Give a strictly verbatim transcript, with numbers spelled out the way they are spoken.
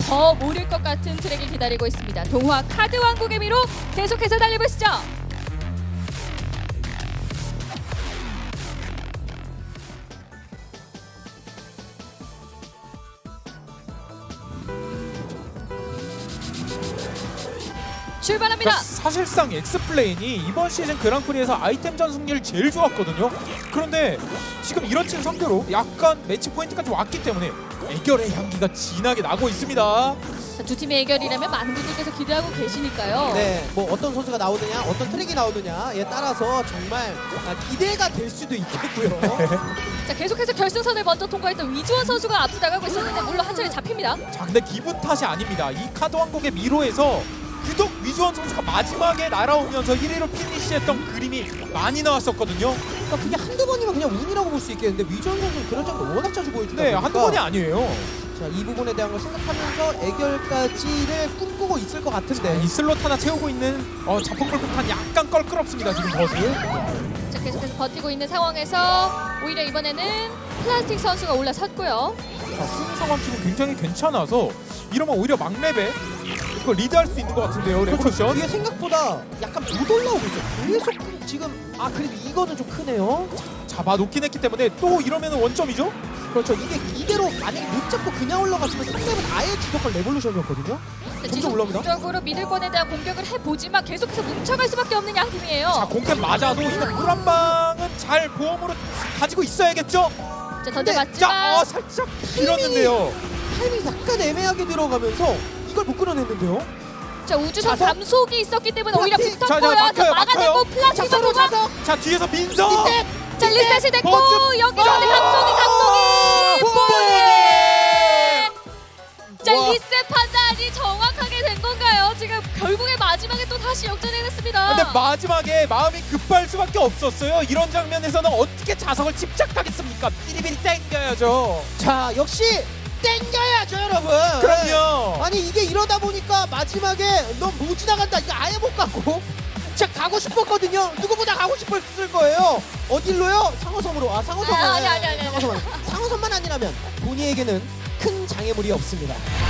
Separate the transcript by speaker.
Speaker 1: 더 모를 것 같은 트랙이 기다리고 있습니다. 동화 카드 왕국의 미로 계속해서 달려보시죠. 출발합니다.
Speaker 2: 그러니까 사실상 엑스플레인이 이번 시즌 그랑프리에서 아이템전 승률이 제일 좋았거든요. 그런데 지금 이런 팀 상대로 약간 매치 포인트까지 왔기 때문에 애결의 향기가 진하게 나고 있습니다.
Speaker 1: 자, 두 팀의 해결이라면 많은 분들께서 기대하고 계시니까요.
Speaker 3: 네, 뭐 어떤 선수가 나오느냐, 어떤 트랙이 나오느냐에 따라서 정말 아, 기대가 될 수도 있겠고요.
Speaker 1: 자, 계속해서 결승선을 먼저 통과했던 위주원 선수가 앞서 나가고 있었는데 물론 한 차례 잡힙니다.
Speaker 2: 자, 근데 기분 탓이 아닙니다. 이 카드 왕국의 미로에서 유독 위주원 선수가 마지막에 날아오면서 일 위로 피니시했던 그림이 많이 나왔었거든요.
Speaker 3: 그러니까 그게 한두 번이면 그냥 운이라고 볼 수 있겠는데 위전 선수는 그런 점을 워낙 자주 보여주다
Speaker 2: 네,
Speaker 3: 보니까
Speaker 2: 한두 번이 아니에요.
Speaker 3: 자, 이 부분에 대한 걸 생각하면서 애결까지를 꿈꾸고 있을 것 같은데
Speaker 2: 이 슬롯 하나 채우고 있는 어, 자폭불폭탄 약간 껄끄럽습니다. 지금 버스.
Speaker 1: 자, 계속해서 버티고 있는 상황에서 오히려 이번에는 플라스틱 선수가 올라섰고요.
Speaker 2: 자, 순위 상황 지금 굉장히 괜찮아서 이러면 오히려 막랩에 이거 리드할 수 있는 것 같은데요, 레볼루션.
Speaker 3: 이게 생각보다 약간 못 올라오고 있어요. 계속 지금 아 그래도 이거는 좀 크네요.
Speaker 2: 잡아놓긴 했기 때문에 또 이러면 원점이죠?
Speaker 3: 그렇죠. 이게 이대로 만약에 못 잡고 그냥 올라갔으면 상대는 아예 주도할 레볼루션이었거든요. 점점 올라옵니다.
Speaker 1: 적으로 미들권에 대한 공격을 해보지만 계속해서 뭉쳐갈 수밖에 없는 양팀이에요.
Speaker 2: 자, 공템 맞아도 이거 물 한 방은 잘 보험으로 가지고 있어야겠죠?
Speaker 1: 자,
Speaker 3: 근데-
Speaker 1: 던져봤지만
Speaker 2: 자, 어, 살짝 밀었는데요.
Speaker 3: 타이밍이 약간 애매하게 들어가면서 이걸 못 끌어냈는데요.
Speaker 1: 자, 우주선
Speaker 3: 자석.
Speaker 1: 감속이 있기 때문에 오히려
Speaker 3: 플라스틱.
Speaker 2: 자, 자,
Speaker 1: 붙었고요.
Speaker 2: 막혀요,
Speaker 1: 자, 막아내고
Speaker 2: 막혀요.
Speaker 1: 플라스틱
Speaker 3: 자석으로
Speaker 1: 선수가
Speaker 3: 자석.
Speaker 2: 자, 뒤에서 민서.
Speaker 3: 리셋.
Speaker 1: 자, 리셋이 됐고
Speaker 2: 버스.
Speaker 1: 여기서
Speaker 2: 아!
Speaker 1: 감속이 감속이 뽀이! 자,
Speaker 2: 와.
Speaker 1: 리셋 판단이 정확하게 된 건가요? 지금 결국에 마지막에 또 다시 역전해냈습니다.
Speaker 2: 근데 마지막에 마음이 급할 수밖에 없었어요. 이런 장면에서는 어떻게 자석을 집착하겠습니까? 비리비리 땡겨야죠.
Speaker 3: 자, 역시 땡겨야죠, 여러분.
Speaker 2: 그럼요.
Speaker 3: 아니 이게 이러다 보니까 마지막에 너 못 지나간다 이거 아예 못 가고 진짜 가고 싶었거든요. 누구보다 가고 싶었을 거예요. 어딜로요? 상호섬으로. 아 상호섬.
Speaker 1: 아, 아니, 아니, 아니, 아니.
Speaker 3: 상호섬. 상호섬만 아니라면 본인에게는 큰 장애물이 없습니다.